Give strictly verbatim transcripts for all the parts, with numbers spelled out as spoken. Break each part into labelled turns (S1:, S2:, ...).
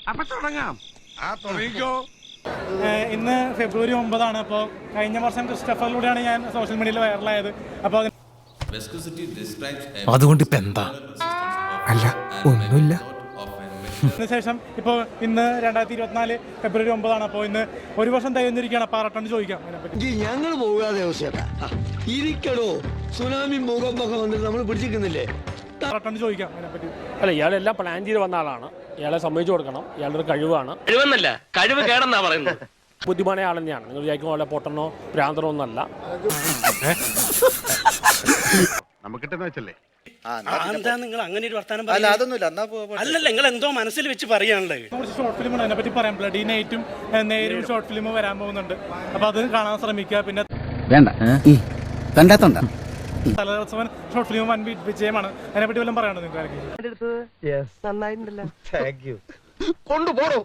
S1: അപ്പൊ തുടങ്ങാം. ആ തുടങ്ങിക്കോ.
S2: ഇന്ന് ഫെബ്രുവരി ഒമ്പതാണ്. അപ്പോൾ കഴിഞ്ഞ വർഷം ക്രിസ്റ്റഫറിലൂടെയാണ് ഞാൻ സോഷ്യൽ മീഡിയയിൽ വൈറലായത്. അപ്പോൾ
S3: അതുകൊണ്ട് ഇപ്പൊ എന്താ? അല്ല, ഒന്നുമില്ല.
S2: അതിനുശേഷം ഇപ്പോൾ ഇന്ന് രണ്ടായിരത്തി ഇരുപത്തിനാല് ഫെബ്രുവരി ഒമ്പതാണ്. അപ്പോൾ ഇന്ന് ഒരു വർഷം തികഞ്ഞിരിക്കുകയാണ്. അപ്പോൾ ആറട്ടണ്ട് ചോദിക്കാം അതിനെപ്പറ്റി.
S4: ഞങ്ങൾ പോകാതെ ഇരിക്കടോ, സുനാമി മുഖമൊക്കെ വന്നിട്ട് നമ്മൾ പിടിച്ചിരിക്കുന്നില്ലേ?
S2: ആറട്ടണ്ട് ചോദിക്കാം അതിനെപ്പറ്റി.
S5: അല്ല, ഇയാളെല്ലാം പ്ലാൻ ചെയ്ത് വന്ന ആളാണ്. ഇയാളെ സമ്മതിച്ചു കൊടുക്കണം. ഇയാളുടെ ഒരു കഴിവാണ്.
S6: കഴിവെന്നല്ല, കഴിവ് കേടെന്നാ പറയുന്നത്.
S5: ബുദ്ധിമാനായ ആൾ തന്നെയാണ്. നിങ്ങൾ വിചാരിക്കുന്ന പോലെ പൊട്ടനോ ഭ്രാന്തനോ ഒന്നല്ല.
S1: നമുക്കിട്ടെന്ന് വെച്ചല്ലേ.
S7: എന്താ നിങ്ങൾ അങ്ങനെ ഒരു വർത്താനം? അല്ലല്ല, നിങ്ങൾ എന്തോ മനസ്സിൽ വെച്ച് പറയാനുള്ളത്.
S2: കുറച്ച് ഷോർട്ട് ഫിലിമാണ് അതിനെപ്പറ്റി പറയാം. ബ്ലഡി നൈറ്റും നേരും ഷോർട്ട് ഫിലിം വരാൻ പോകുന്നുണ്ട്. അപ്പോൾ അത് കാണാൻ ശ്രമിക്കുക. പിന്നെ
S3: വേണ്ട കണ്ടാത്തോണ്ട
S2: തലസവൻ ഷോർട്ട് ഫിലിം വൻ വിജയമാണ്. അതിനെപ്പറ്റി വല്ലതും പറയണോ നിങ്ങൾക്ക്?
S1: കൊണ്ടുപോടോ.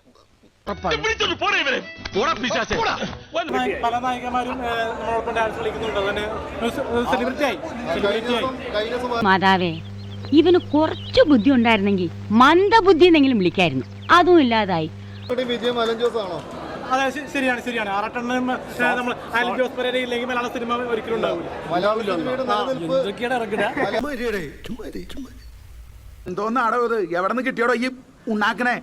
S2: പല നായികമാരും നമ്മളോടൊപ്പം ഡാൻസ് കളിക്കുന്നുണ്ട്. അതിന് സെലിബ്രിറ്റി ആയി സെലിബ്രിറ്റി ആയി
S8: മാതാവേ, ഇവന് കുറച്ചു ബുദ്ധി ഉണ്ടായിരുന്നെങ്കിൽ മന്ദബുദ്ധി എന്നെങ്കിലും വിളിക്കായിരുന്നു. അതും ഇല്ലാതായി.
S2: അതെ, ശരിയാണ് ശരിയാണ് ആറട്ടെണ്ണം നമ്മൾ അലൻ ജോസ് പെരേര ഇല്ലെങ്കിൽ മലയാള സിനിമ ഒരിക്കലും ഉണ്ടാവില്ല.
S9: എന്തോന്നാടോ ഇത്? എവിടെ നിന്ന് കിട്ടിയോടോ ഈ ഉണ്ടാക്കണേ?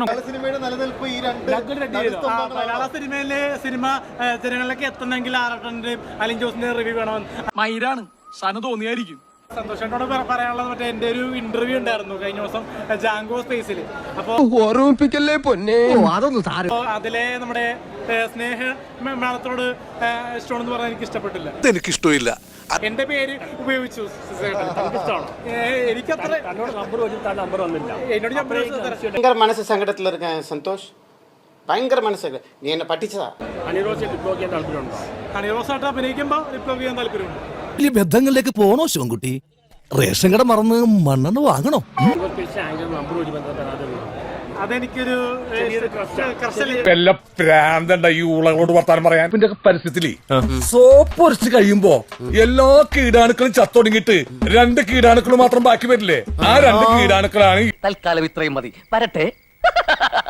S2: മലയാള സിനിമയിലെ സിനിമ ജനങ്ങളിലേക്ക് എത്തണമെങ്കിൽ ആറട്ടന്റെയും അലിൻ ജോസിന്റെ റിവ്യൂ വേണമെന്ന്
S3: മയിലാണ് സാധനം തോന്നിയായിരിക്കും.
S2: സന്തോഷേട്ടനോട് പറയാനുള്ളത്, മറ്റേ എന്റെ ഒരു ഇന്റർവ്യൂ ഉണ്ടായിരുന്നു കഴിഞ്ഞ ദിവസം ജാങ്കോ സ്പേസിൽ. അപ്പൊ
S4: ഓർമ്മിപ്പിക്കല്ലേ പൊന്നെ.
S2: അതിലെ നമ്മുടെ സ്നേഹ മേളത്തോട് ഇഷ്ടമാണെന്ന് പറഞ്ഞാൽ എനിക്ക് ഇഷ്ടപ്പെട്ടില്ല.
S3: എനിക്കിഷ്ടമില്ല.
S2: എന്റെ പേര് ഉപയോഗിച്ചു. എനിക്കത്ര
S5: നമ്പർ വെച്ചിട്ട് നമ്പർ വന്നില്ല.
S2: എന്നോട് നമ്പർ
S10: ഭയങ്കര മനസ്സ് സങ്കടത്തിലിരിക്കാൻ സന്തോഷ്. ഭയങ്കര മനസ്സ്. നീ എന്നെ പറ്റിച്ചതാ.
S5: അനിറോസ് ഡിപ്ലോ ചെയ്യാൻ താല്പര്യമുണ്ടോ?
S2: അണിറോസായിട്ട് അഭിനയിക്കുമ്പോ റിപ്ലൈ ചെയ്യാൻ താല്പര്യമുണ്ട്.
S3: വലിയ ബന്ധങ്ങളിലേക്ക് പോണോ ശിവൻകുട്ടി? റേഷൻ കട മറന്ന് മണ്ണെണ്ണ വാങ്ങണോ?
S5: നമ്പർ വെച്ച് ബന്ധപ്പെടാതെ
S2: അതെനിക്കൊരു
S9: പ്രാന്തണ്ട ഈ ഉളകളോട് വർത്താനം പറയാൻ. പിന്നെ പരിസ്ഥിതി സോപ്പ് ഒരച്ച് കഴിയുമ്പോ എല്ലാ കീടാണുക്കളും ചത്തൊടുങ്ങിട്ട് രണ്ട് കീടാണുക്കൾ മാത്രം ബാക്കി വരില്ലേ? ആ രണ്ട് കീടാണുക്കളാണ്.
S6: തൽക്കാലം ഇത്രയും മതി. വരട്ടെ.